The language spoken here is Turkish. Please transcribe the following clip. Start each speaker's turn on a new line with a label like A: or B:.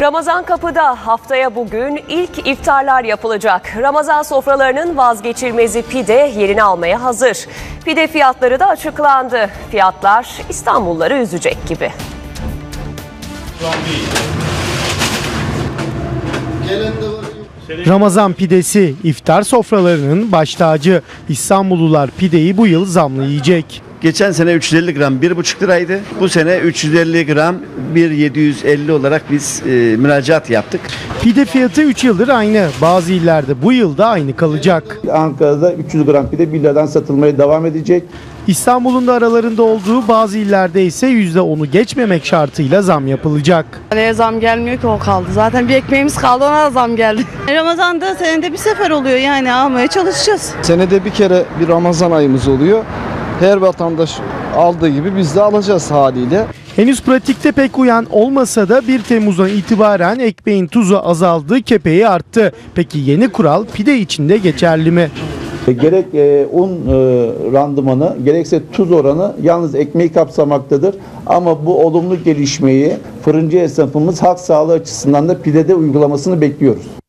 A: Ramazan kapıda, haftaya bugün ilk iftarlar yapılacak. Ramazan sofralarının vazgeçilmezi pide yerini almaya hazır. Pide fiyatları da açıklandı. Fiyatlar İstanbulluları üzecek gibi.
B: Ramazan pidesi iftar sofralarının baş tacı. İstanbullular pideyi bu yıl zamlı yiyecek.
C: Geçen sene 350 gram 1,5 liraydı. Bu sene 350 gram 1,750 olarak biz müracaat yaptık.
B: Pide fiyatı 3 yıldır aynı. Bazı illerde bu yılda aynı kalacak.
D: Ankara'da 300 gram pide 1 liradan satılmaya devam edecek.
B: İstanbul'un da aralarında olduğu bazı illerde ise %10'u geçmemek şartıyla zam yapılacak.
E: Neye zam gelmiyor ki, o kaldı. Zaten bir ekmeğimiz kaldı, ona da zam geldi. Ramazan'da senede bir sefer oluyor, yani almaya çalışacağız.
F: Senede bir kere bir Ramazan ayımız oluyor. Her vatandaş aldığı gibi biz de alacağız haliyle.
B: Henüz pratikte pek uyan olmasa da 1 Temmuz'dan itibaren ekmeğin tuzu azaldı, kepeği arttı. Peki yeni kural pide için de geçerli mi?
D: Gerek un randımanı gerekse tuz oranı yalnız ekmeği kapsamaktadır. Ama bu olumlu gelişmeyi fırıncı esnafımız halk sağlığı açısından da pidede uygulamasını bekliyoruz.